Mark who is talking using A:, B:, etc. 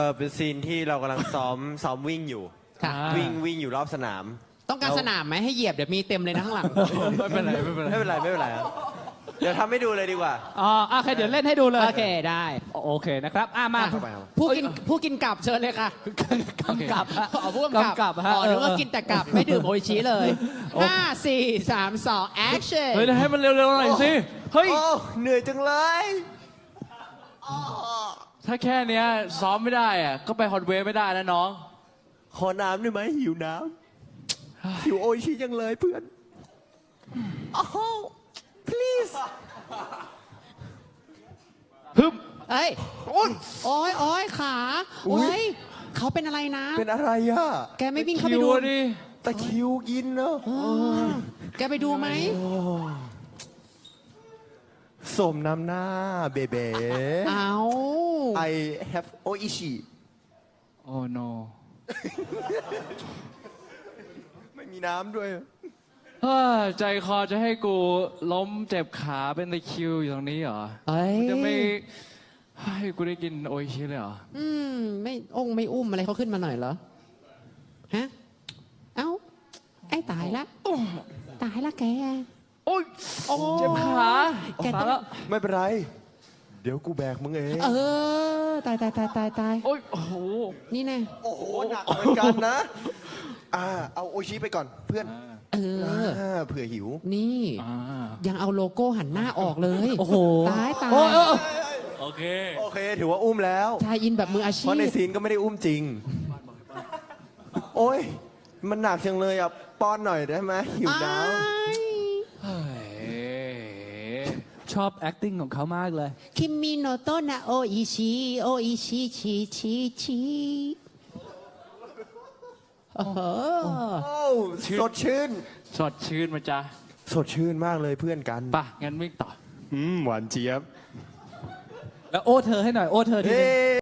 A: เป็นซีนที่เรากำลังซ้อมวิ่งอยู่
B: ค่ะ
A: วิ่งอยู่รอบสนาม
B: ต้องการสนามไหมให้เหยียบเดี๋ยวมีเต็มเลยนะข้างหลัง
C: ไม่เป็นไรไม่เป็นไร
A: ไม่เป็นไรครับเดี๋ยวทำให้ดูเลยดีกว่า
C: อ๋อโอเคเดี๋ยวเล่นให้ดูเลย
B: โอเคได้
C: โอเคนะครับมา
A: เข้าไปครับ
B: ผู้กินกลับเชิญเลยค่ะ
C: กำกับฮะ
B: อ๋อผู้กำกับ
C: ฮะ
B: อ๋อนึกว่ากินแต่กลับไม่ดื่มโออิชิเลย5 4 3 2 action
C: เฮ้ยให้มันเร็วๆหน่อยสิเฮ้ย
A: โอ้เหนื่อยจังเลย
C: ถ้าแค่เนี้ยซ้อมไม่ได้อะก็ไปฮอตเวฟไม่ได้นะน้อง
A: ขอน้ำได้ไหมหิวน้ำหิวโออิชิจังเลยเพื่อนโอ้ please
C: ฮึบ
B: เอ้ยโอ้ยขาโอ้ยเขาเป็นอะไรนะ
A: เป็นอะไรอะ
B: แกไม่วิ่งเข้าไปดู
C: คิวอะดิ
A: ตะคริวกินเนอะ
B: เออแกไปดูไหม
A: สมน้ำหน้าเบเบ้
B: เอา
A: I have โออิชิ
C: โอ้ no
A: ไม่มีน้ำด้วย
C: เฮ้ยใจคอจะให้กูล้มเจ็บขาเป็นตะคริวอยู่ตรงนี้เหรอ
B: เอ้ย
C: จะไม่ให้กูได้กินโออิชิเลยเหรอ
B: ไม่ไม่อุ้มอะไรเขาขึ้นมาหน่อยเหรอ ฮะ เอ้า ไอ้ตายละตายละแก
C: โอ้ยเจ็บขา
B: แกต้อง
C: ตายแล้ว
A: ไม่เป็นไร เดี๋ยวกูแบกมึงเอง
B: เออ ตาย
C: โอ้ยโอ้โห
B: นี่แน่
A: โอ้โหหนักเหมือนกันนะ เอาโออิชิไปก่อนเพื่อน
B: เออ
A: เผื่อหิว
B: นี่
C: อ่า
B: ยังเอาโลโก้หันหน้าออกเลย
C: โอ้โห
B: ตาย
C: โอ้ยโอเค
A: โอเค ถือว่าอุ้มแล้ว
B: ชายอินแบบมืออาชี
A: เพราะใน
B: พ
A: ซีนก็ไม่ได้อุ้มจริง โอ้ย มันหนักจังเลยอ่ะ ป้อนหน่อยได้ไหมหิวน้
C: เฮ้ย
D: ชอบ acting ของเขามากเลย
B: คิมิโนโตะนะโออิชิโออิชิชิโอ้โห
A: ำโอ้สดชื่น
C: สดชื่นมาจ้ะ
A: สดชื่นมากเลยเพื่อนกัน
C: ป่ะ งั้นวิ่งต่อ
A: หวานเจี๊ยบ
D: แล้วโอ้เธอให้หน่อย โอ้เธอทีนึง
A: เฮ้